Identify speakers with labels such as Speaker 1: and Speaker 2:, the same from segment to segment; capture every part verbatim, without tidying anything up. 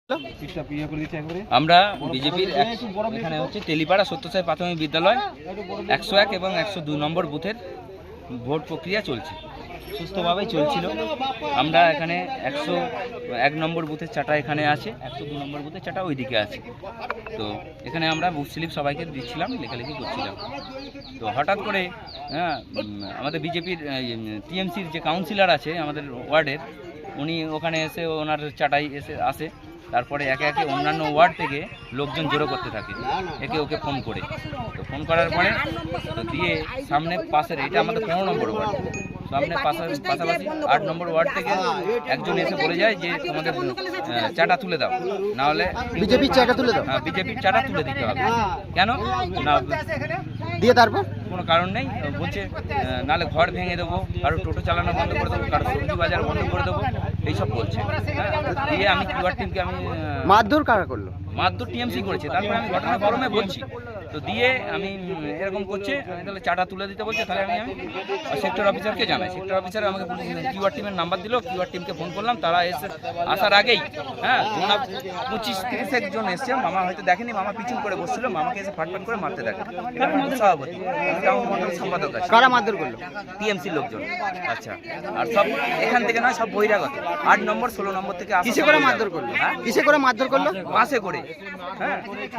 Speaker 1: আমরা বিজেপির এখানে হচ্ছে তেলিপাড়া সত্যসাই প্রাথমিক বিদ্যালয় একশো এক এবং একশো দুই নম্বর বুথের ভোট প্রক্রিয়া চলছে, সুস্থভাবেই চলছিল। আমরা এখানে একশো এক নম্বর বুথের চাটা এখানে আছে, একশো দু নম্বর বুথের চাটা ওইদিকে আছে। তো এখানে আমরা বুথ স্লিপ সবাইকে দিচ্ছিলাম, লেখালেখি করছিলাম। তো হঠাৎ করে হ্যাঁ আমাদের বিজেপির টিএমসির যে কাউন্সিলর আছে আমাদের ওয়ার্ডের, উনি ওখানে এসে ওনার চাটাই এসে আসে। তারপরে একে একে অন্যান্য ওয়ার্ড থেকে লোকজন জড়ো করতে থাকে, একে ওকে ফোন করে। তো ফোন করার পরে তো দিয়ে সামনে পাশের, এটা আমাদের পনেরো নম্বর ওয়ার্ড, সামনে পাশাপাশি আট নম্বর ওয়ার্ড থেকে একজন এসে বলে যায় যে তোমাদের চাটা তুলে দাও, না হলে
Speaker 2: বিজেপির চাটা তুলে দাও।
Speaker 1: হ্যাঁ, বিজেপির চাটা তুলে দিতে হবে। কেন না
Speaker 2: দিয়ে তারপর
Speaker 1: কোনো কারণ নেই, বলছে নাহলে ঘর ভেঙে দেবো, কারো টোটো চালানো বন্ধ করে দেবো, কারো সবজি বাজার বন্ধ করে দেবো, এইসব বলছে। দিয়ে আমি কিউআর টিমকে আমি
Speaker 2: মারধর কারা করলো?
Speaker 1: মারধর টিএমসি করেছে। তারপরে আমি ঘটনা গরমে বলছি, তো দিয়ে আমি এরকম করছে, আমি তাহলে চাটা তুলে দিতে বলছে। তাহলে আমি আমি সেক্টর অফিসারকে জানাই, সেক্টর অফিসার আমাকে কিউআর টিমের নাম্বার দিল, কিউআর টিমকে ফোন করলাম। তারা এসে আসার আগেই হ্যাঁ তোমরা পঁচিশ তিরিশ একজন এসছে, মামা হয়তো দেখেনি, মামা পিছন করে বসছিল, মামাকে এসে ফাটফাট করে মারতে দেখে। সভাপতি সম্পাদক আছে।
Speaker 2: কারা মারধর করলো?
Speaker 1: টিএমসির লোকজন। আচ্ছা, আর সব এখান থেকে নয়, সব বহিরাগত, আট নম্বর ষোলো নম্বর থেকে।
Speaker 2: কিসে করে মারধর করলো?
Speaker 1: হ্যাঁ
Speaker 2: কিসে করে মারধর করলো?
Speaker 1: বাসে করে। হ্যাঁ,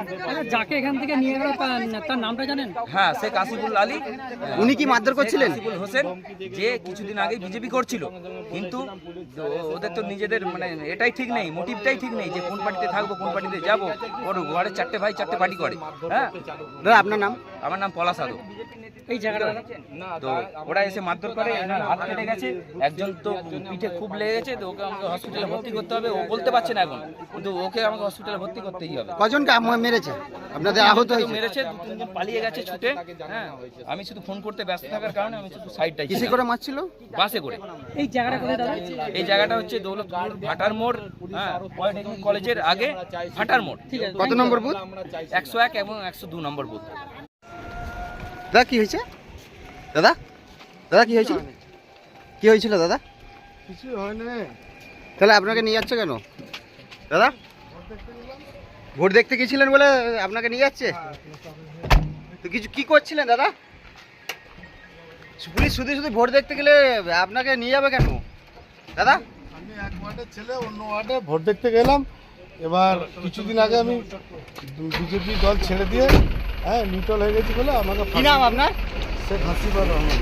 Speaker 3: যাকে এখান থেকে নিয়ে গেল তার নামটা জানেন?
Speaker 1: হ্যাঁ, শেখ আসিফুল আলী।
Speaker 2: উনি কি মারধর করছিলেন?
Speaker 1: আসিফুল হোসেন, যে কিছুদিন আগে বিজেপি করছিল, কিন্তু ওদের তো নিজেদের মানে এটাই ঠিক নেই, মোটিভটাই ঠিক নেই যে কোন পার্টিতে থাকবো, কোন পার্টিতে যাবো। ওর ঘরে চারটে ভাই চারটে পার্টি করে। হ্যাঁ
Speaker 2: দাদা আপনার নাম?
Speaker 1: আমার নাম পলাশ আদো।
Speaker 3: এই জায়গাটা
Speaker 1: তো ওরা এসে মারধর করে, এনার হাত কেটে গেছে, একজন তো পিঠে খুব লেগে গেছে, তো ওকে আমাকে হসপিটালে ভর্তি করতে হবে। ও বলতে পারছে না এখন, কিন্তু ওকে আমাকে হসপিটালে ভর্তি করতেই হবে।
Speaker 2: কজনকে মেরেছে আপনাদের? আহত হয়েছে?
Speaker 1: মেরেছে, দু তিনজন পালিয়ে গেছে ছুটে। হ্যাঁ, আমি শুধু ফোন করতে ব্যস্ত থাকার কারণে আমি শুধু সাইডটাই।
Speaker 2: কিসে করে মারছিল?
Speaker 1: বাসে করে।
Speaker 3: এই জায়গাটা কোথায় দাদা?
Speaker 1: এই জায়গাটা হচ্ছে দৌলতপুর ভাটার মোড়, হ্যাঁ পলিটেকনিক কলেজের আগে ভাটার মোড়।
Speaker 2: কত নম্বর বুথ?
Speaker 1: একশো এক এবং একশো দু নম্বর বুথ।
Speaker 2: দাদা কি হয়েছে? দাদা দাদা কি হয়েছিল? কি হয়েছিল দাদা?
Speaker 4: কিছু হয় না।
Speaker 2: তাহলে আপনাকে নিয়ে যাচ্ছে কেন দাদা? ভোট দেখতে গেছিলেন বলে আপনাকে নিয়ে যাচ্ছে? তো কিছু কি করছিলেন দাদা? পুলিশ শুধু শুধু ভোট দেখতে গেলে আপনাকে নিয়ে যাবে কেন দাদা?
Speaker 4: আমি এক ওয়ার্ডের ছেলে, অন্য ওয়ার্ডে ভোট দেখতে গেলাম। এবার কিছুদিন আগে আমি বিজেপি দল ছেড়ে দিয়ে হ্যাঁ নিউট্রাল হয়ে গেছি বলে আমাকে।
Speaker 2: কি নাম আপনার?
Speaker 4: শেখ হাসিবুর রহমান।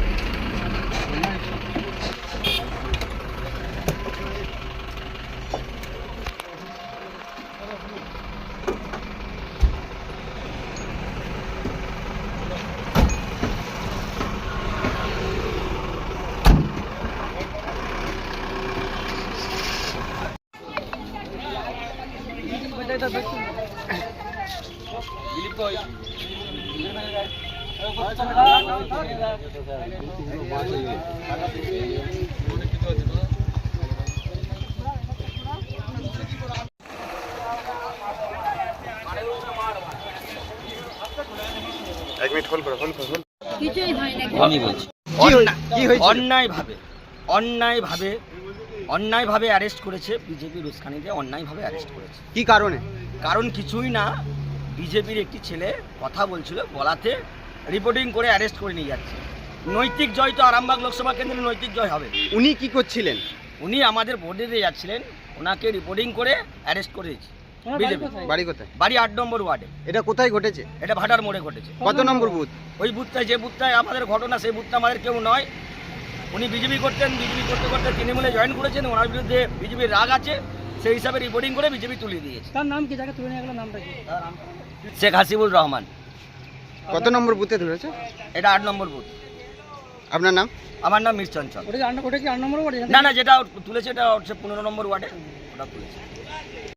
Speaker 2: এক মিনিট হোল্ড করো, হোল্ড করো, হোল্ড।
Speaker 3: কিছুই হয় না।
Speaker 1: আমি বলছি
Speaker 2: কি হয়েছে?
Speaker 5: অন্যায়ভাবে অন্যায়ভাবে অন্যায়ভাবে অ্যারেস্ট করেছে বিজেপির উস্কানিতে, অন্যায়ভাবে অ্যারেস্ট করেছে।
Speaker 2: কি কারণে?
Speaker 5: কারণ কিছুই না, বিজেপির একটি ছেলে কথা বলছিল, বলাতে রিপোর্টিং করে অ্যারেস্ট করে নিয়ে যাচ্ছে। নৈতিক জয় তো আরামবাগ লোকসভা কেন্দ্রে নৈতিক জয় হবে।
Speaker 2: উনি কি করছিলেন?
Speaker 5: উনি আমাদের ভোটে দিয়ে যাচ্ছিলেন, ওনাকে রিপোর্টিং করে অ্যারেস্ট করেছে বিজেপি।
Speaker 2: বাড়ি কোথায়?
Speaker 5: বাড়ি আট নম্বর ওয়ার্ডে।
Speaker 2: এটা কোথায় ঘটেছে?
Speaker 5: এটা ভাটার মোড়ে ঘটেছে।
Speaker 2: কত নম্বর বুথ?
Speaker 5: ওই বুথটায়, যে বুথটায় আমাদের ঘটনা, সেই বুথটা আমাদের কেউ নয়। উনি বিজেপি করতেন, বিজেপি করতে করতে তৃণমূলে জয়েন করেছেন, ওনার বিরুদ্ধে বিজেপির রাগ আছে, সেই হিসাবে রিপোর্টিং করে বিজেপি তুলে দিয়েছে।
Speaker 3: তার নাম কি? যাকে তুলে নিয়ে গেল নামটা কি?
Speaker 5: শেখ হাসিবুর রহমান।
Speaker 2: কত নম্বর বুথে ধরেছে?
Speaker 5: এটা আট নম্বর বুথ।
Speaker 2: আপনার নাম?
Speaker 5: আমার নাম মির চঞ্চল।
Speaker 3: ওটা কি আট ওটা কি আট নম্বর ওয়ার্ড?
Speaker 5: না না, যেটা তুলেছে এটা হচ্ছে পনেরো নম্বর ওয়ার্ডে, ওটা তুলেছে।